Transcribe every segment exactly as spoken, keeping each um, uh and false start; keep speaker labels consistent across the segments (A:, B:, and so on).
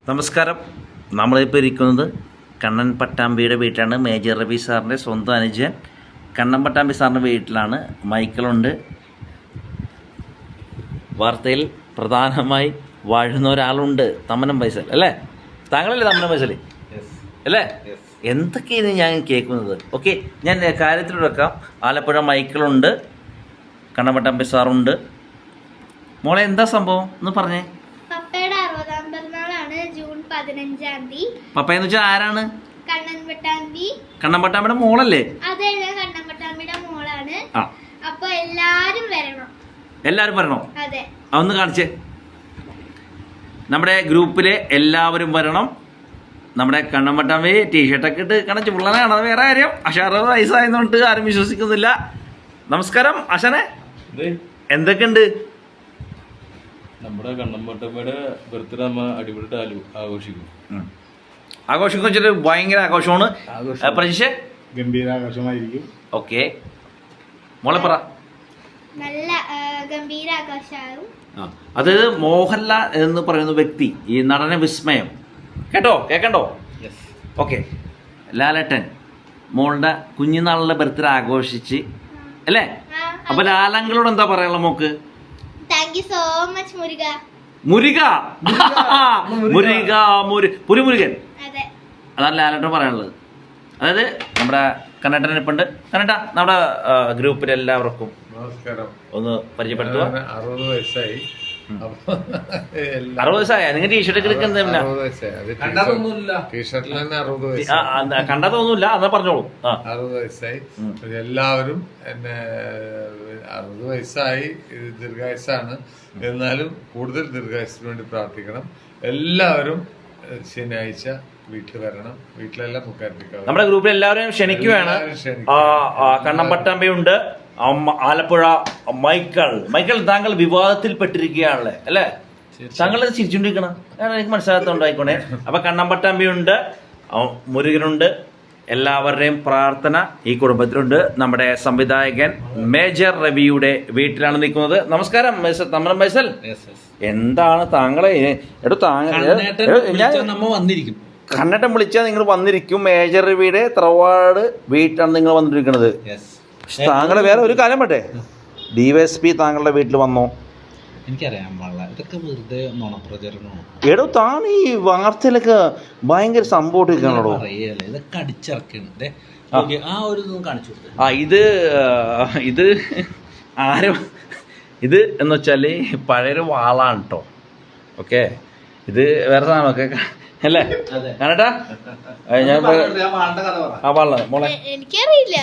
A: നമസ്കാരം. നമ്മളിപ്പോൾ ഇരിക്കുന്നത് കണ്ണൻ പട്ടാമ്പിയുടെ വീട്ടിലാണ്. മേജർ രവി സാറിൻ്റെ സ്വന്തം അനുജൻ കണ്ണൻ പട്ടാമ്പി സാറിൻ്റെ വീട്ടിലാണ്. മൈക്കിളുണ്ട്. വാർത്തയിൽ പ്രധാനമായി വാഴുന്ന ഒരാളുണ്ട്, തമ്മനം ഫൈസൽ അല്ലേ? താങ്കളല്ലേ തമ്മനം ഫൈസൽ അല്ലേ? എന്തൊക്കെയാണ് ഞാൻ കേൾക്കുന്നത്? ഓക്കെ, ഞാൻ കാര്യത്തിൽ വെക്കാം. ആലപ്പുഴ മൈക്കിളുണ്ട്, കണ്ണൻ പട്ടാമ്പി സാറുണ്ട്. മോളെ എന്താ സംഭവം എന്ന് പറഞ്ഞേ.
B: പപ്പയുടെ അറുപതാം പിറന്നാളാണ് ജൂൺ പതിനഞ്ചാം തീയതി.
A: പപ്പ എന്ന് വെച്ചാൽ ആരാണ്?
B: കണ്ണൻ പട്ടാമ്പി.
A: കണ്ണൻ പട്ടാമ്പിയുടെ മോളല്ലേ?
B: അതെ, കണ്ണൻ പട്ടാമ്പിയുടെ മോളാണ്.
A: ആ,
B: അപ്പൊ എല്ലാരും വരണം.
A: എല്ലാവരും വരണോ?
B: അതെ,
A: അതൊന്ന് കാണിച്ചേ. നമ്മുടെ ഗ്രൂപ്പിലെ എല്ലാവരും വരണം. നമ്മുടെ കണ്ണൻ പട്ടാമ്പി ടീഷർട്ടൊക്കെ ഇട്ട് കണച്ച് പിള്ളേരാണ്, അത് വേറെ കാര്യം. പക്ഷെ അറുപത് വയസ്സായതുകൊണ്ട് ആരും വിശ്വസിക്കുന്നില്ല. നമസ്കാരം അശനെ, എന്തൊക്കെയുണ്ട്?
C: നമ്മുടെ കണ്ണമ്പട്ടമ്മയുടെ ബർത്ത്ഡേ നമ്മ അടിപൊളിയായിട്ട് ആഘോഷിക്കും.
A: ആഘോഷിക്കും വെച്ചിട്ട് ഭയങ്കര ആഘോഷമാണ്. പ്രതീക്ഷ
D: ഗംഭീരാഘോഷമായിരിക്കും.
A: ഓക്കെ, മോളെ പറ.
B: നല്ല ഗംഭീരാഘോഷമാകും.
A: അതായത് മോഹൻലാൽ എന്ന് പറയുന്ന വ്യക്തി, ഈ നടന വിസ്മയം, കേട്ടോ കേക്കണ്ടോ? ഓക്കെ, ലാലേട്ടൻ മോളുടെ കുഞ്ഞുനാളിലെ ബർത്ത്ഡേ ആഘോഷിച്ച് അല്ലേ? അപ്പൊ ലാലങ്ങളോട് എന്താ പറയാനുള്ള മോക്ക്?
B: Thank you so much Muruga.
A: Muruga Muruga മുരു പുരുമുരുകൻ,
B: അതെ,
A: അതാണ് ലാലേട്ടൻ പറയാനുള്ളത്. അതായത് നമ്മുടെ കന്നഡൻ ഇപ്പുണ്ട്. കന്നഡ നമ്മുടെ ഗ്രൂപ്പിൽ എല്ലാവർക്കും
D: നമസ്കാരം.
A: ഒന്ന് പരിചയപ്പെടുത്തുക.
D: അറുപത് വയസ്സായി.
A: അറുപത് വയസ്സായ നിങ്ങൾ ടീഷർട്ട് എടുക്കുന്ന
D: ടീഷർട്ടിൽ തന്നെ അറുപത് വയസ്സായി.
A: കണ്ടാ തോന്നൂല, അതാ പറഞ്ഞോളൂ. ആ,
D: അറുപത് വയസ്സായി. എല്ലാവരും എന്നെ അറുപത് വയസ്സായി, ദീർഘായുസാണ്. എന്നാലും കൂടുതൽ ദീർഘായുസിന് വേണ്ടി പ്രാർത്ഥിക്കണം. എല്ലാവരും ശനിയാഴ്ച വീട്ടിൽ വരണം. വീട്ടിലെല്ലാം മുക്കാറ്റിക്കാം.
A: നമ്മുടെ ഗ്രൂപ്പിൽ എല്ലാവരും ക്ഷണിക്കുകയാണ്. കണ്ണൻ പട്ടാമ്പിയുണ്ട്, ആലപ്പുഴ മൈക്കിൾ. മൈക്കിൾ, താങ്കൾ വിവാദത്തിൽപ്പെട്ടിരിക്കുകയാണല്ലേ അല്ലേ? താങ്കൾ ചിരിച്ചുകൊണ്ടിരിക്കണം, എനിക്ക് മനസ്സിലാകത്തോണ്ടായിക്കോണേ. അപ്പൊ കണ്ണൻ പട്ടാമ്പിയുണ്ട്, മുരുകനുണ്ട്. എല്ലാവരുടെയും പ്രാർത്ഥന ഈ കുടുംബത്തിലുണ്ട്. നമ്മുടെ സംവിധായകൻ മേജർ രവിയുടെ വീട്ടിലാണ് നിൽക്കുന്നത്. നമസ്കാരം മിസ്റ്റർ തമ്മനം ഫൈസൽ. എന്താണ് താങ്കളെ എടു
C: വന്നിരിക്കും
A: കണ്ണട്ടം വിളിച്ചാൽ നിങ്ങൾ വന്നിരിക്കും. മേജർ രവിയുടെ തറവാട് വീട്ടിലാണ് നിങ്ങൾ വന്നിരിക്കുന്നത്. താങ്കളെ വേറെ ഒരു കാര്യം പറ്റേ, ഡിവൈഎസ്പി താങ്കളുടെ വീട്ടിൽ വന്നോ?
C: എനിക്കറിയാൻ പാടില്ല, ഇതൊക്കെ വെറുതെ നുണപ്രചരണമാണ്.
A: എടോ, താൻ ഈ വാർത്തയിലൊക്കെ ഭയങ്കര സംഭവമായിട്ടാണോ?
C: ഇതൊക്കെ അടിച്ചിറക്കാണ്. ആ ഒരു കാണിച്ചു കൊടുത്തത്.
A: ആ, ഇത് ഇത് ആരും ഇത് എന്ന് വെച്ചാല് പഴയൊരു വാളാണ് കേട്ടോ. ഓക്കെ, ഇത് വേറെ സാധനമൊക്കെ അല്ലേ കണ്ണട്ടാ? ഞാൻ ആ വാള മോളെ
B: എനിക്കറിയില്ല.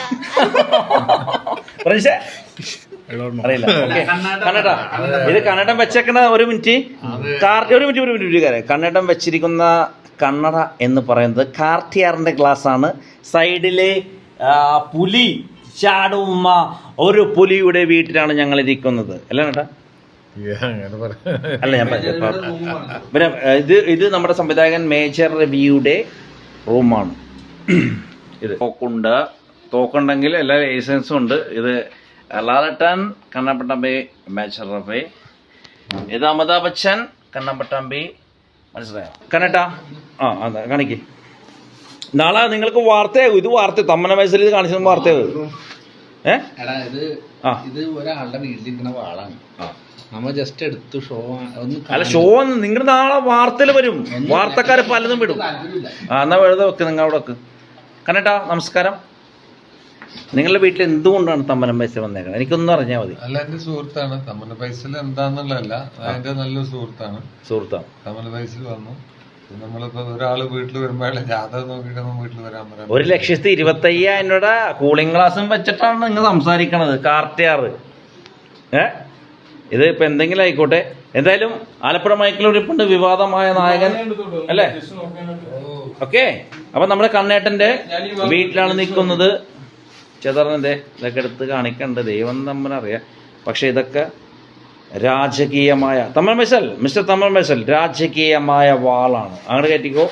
A: അറിയില്ല. കണ്ണട്ടാ, ഇത് കന്നഡം വെച്ചേക്കണ ഒരു മിനിറ്റ് കാർട്ടി ഒരു മിനിറ്റ് ഒരു മിനിറ്റ് കന്നഡം വെച്ചിരിക്കുന്ന കണ്ണട എന്ന് പറയുന്നത് കാർട്ടിയാറിന്റെ ഗ്ലാസ് ആണ്. സൈഡില് പുലി ചാടുമ്മ ഒരു പുലിയുടെ വീട്ടിലാണ് ഞങ്ങൾ ഇരിക്കുന്നത് അല്ലേ കേട്ടാ? അല്ല, ഞാൻ പിന്നെ ഇത് ഇത് നമ്മുടെ സംവിധായകൻ മേജർ രവിയുടെ റൂമാണ്. ഇത് തോക്കുണ്ട്, തോക്കുണ്ടെങ്കിൽ എല്ലാ ലൈസൻസും ഉണ്ട്. ഇത് ലാലേട്ടൻ, കണ്ണൻ പട്ടാമ്പി, മേജർ രവി. ഇത് അമിതാഭ് ബച്ചൻ, കണ്ണൻ പട്ടാമ്പി. മനസ്സിലായോ കണ്ണട്ടാ? ആ, അതെ, കാണിക്ക്. നാളെ നിങ്ങൾക്ക് വാർത്തയാകും. ഇത് വാർത്ത തമ്മനം വയസ്സിൽ ഇത് കാണിച്ചത് വാർത്തയാകും. ഏ
C: ഇത് ഒരാളുടെ വീട്ടിലിരിക്കുന്ന വാളാണ്. നമ്മ ജസ്റ്റ് എടുത്തു ഷോ
A: അല്ല, ഷോ നിങ്ങൾ നാളെ വാർത്തയിൽ വരും. വാർത്തക്കാര് പലതും വിടും. ആ, എന്നാ വെറുതെ വെക്ക്, നിങ്ങൾ അവിടെ വെക്ക്. കണ്ണട്ടാ നമസ്കാരം. നിങ്ങളുടെ വീട്ടിൽ എന്തുകൊണ്ടാണ് തമ്മനം പൈസ വന്നേക്കുന്നത്? എനിക്കൊന്നും അറിഞ്ഞാൽ മതി.
D: അല്ല, എന്റെ സുഹൃത്താണ് തമ്മന പൈസൽ. എന്താന്നുള്ളതല്ല, അതിന്റെ നല്ലൊരു സുഹൃത്താണ്.
A: സുഹൃത്താണ്
D: തമ്മന പൈസൽ വന്നു. നമ്മളിപ്പോ ഒരാള് വീട്ടിൽ വരുമ്പോഴേ ജാതകം നോക്കിയിട്ടൊന്നും വീട്ടിൽ വരാൻ പറയാം.
A: ഒരു ലക്ഷത്തി ഇരുപത്തി അയ്യായിരം രൂപ കൂളിംഗ് ഗ്ലാസും വെച്ചിട്ടാണ് നിങ്ങൾ സംസാരിക്കണത്. കാർട്ടിയാറ് ഏ ഇത് ഇപ്പൊ എന്തെങ്കിലും ആയിക്കോട്ടെ. എന്തായാലും ആലപ്പുഴ മൈക്കിലൊരിപ്പുണ്ട്, വിവാദമായ നായകൻ അല്ലേ? ഓക്കെ, അപ്പൊ നമ്മുടെ കണ്ണേട്ടന്റെ വീട്ടിലാണ് നിൽക്കുന്നത്. ചെതറിന്റെ ഇതൊക്കെ എടുത്ത് കാണിക്കണ്ട്, ദൈവം തമ്മിലറിയാം. പക്ഷെ ഇതൊക്കെ രാജകീയമായ തമ്മൻ ഫൈസൽ, മിസ്റ്റർ തമ്മൻ ഫൈസൽ, രാജകീയമായ വാളാണ്. അങ്ങോട്ട് കയറ്റിക്കോ.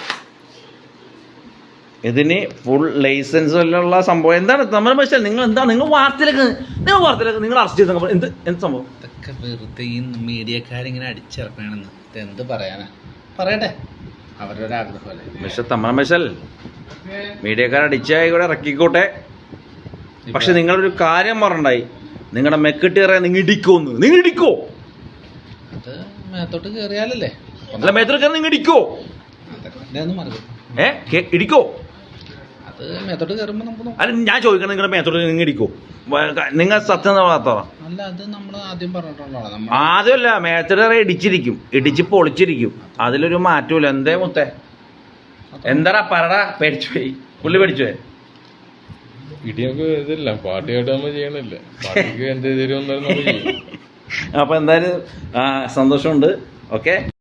A: ഇതിന് ഫുൾ ലൈസൻസ് ഉള്ള സംഭവം. എന്താണ് തമ്മൻ ഫൈസൽ, നിങ്ങൾ എന്താണ് നിങ്ങൾ വാർത്തയിലേക്ക് നിങ്ങൾ വാർത്തയിലേക്ക് നിങ്ങൾ അറസ്റ്റ് ചെയ്ത എന്ത് എന്ത് സംഭവം?
C: ഇതൊക്കെ വെറുതെ ഈ മീഡിയക്കാരിങ്ങനെ അടിച്ചിറക്കണമെന്ന് എന്ത് പറയാനാ? പറയട്ടെ. അവരുടെ ഒരു ആഗ്രഹമല്ലേ.
A: മിസ്റ്റർ തമ്മനം ബേസൽ, മീഡിയക്കാരടിച്ചായി കൂടെ ഇറക്കിക്കോട്ടെ. പക്ഷെ നിങ്ങളൊരു കാര്യം പറഞ്ഞിട്ടുണ്ടായി, നിങ്ങളുടെ മെക്കിട്ടേറെ നിങ്ങൾ ഇടിക്കോന്ന്. നിങ്ങൾ ഇടിക്കോ?
C: അത് മേത്തോട്ട് കയറിയാലല്ലേ.
A: അല്ല, മേത്തോട്ട് കയറി നിങ്ങൾ ഇടിക്കോ?
C: അതൊക്കെ മറക്കും.
A: ഏ കേ- ഇടിക്കോ?
C: അത് മേത്തോട്ട് കയറുമ്പോൾ നമുക്ക് നോക്കാം.
A: അല്ല, ഞാൻ ചോദിക്കണം, നിങ്ങളുടെ മേത്തോട്ട് നിങ്ങൾ ഇടിക്കോ? നിങ്ങൾ സത്യം വളർത്തറ.
C: അല്ല, അത് നമ്മൾ ആദ്യം പറഞ്ഞിട്ടുള്ളതാണ്. നമ്മൾ
A: ആദ്യമല്ല, മേത്തോട്ട് ഇടിച്ചിരിക്കും, ഇടിച്ച് പൊളിച്ചിരിക്കും. അതിലൊരു മാറ്റമില്ല. എന്തേ മുത്തേ? എന്താടാ പറടാ? പേടിച്ചു പോയി, പുള്ളി പേടിച്ചു പോയി.
E: ഇടിയൊക്കെ ഇതില്ല, പാർട്ടിയായിട്ട് നമ്മൾ ചെയ്യണില്ല. പാർട്ടിക്ക് എന്ത് തരുമെന്നാലും നമ്മൾ ചെയ്യും.
A: അപ്പൊ എന്തായാലും ആ, സന്തോഷമുണ്ട്. ഓക്കെ.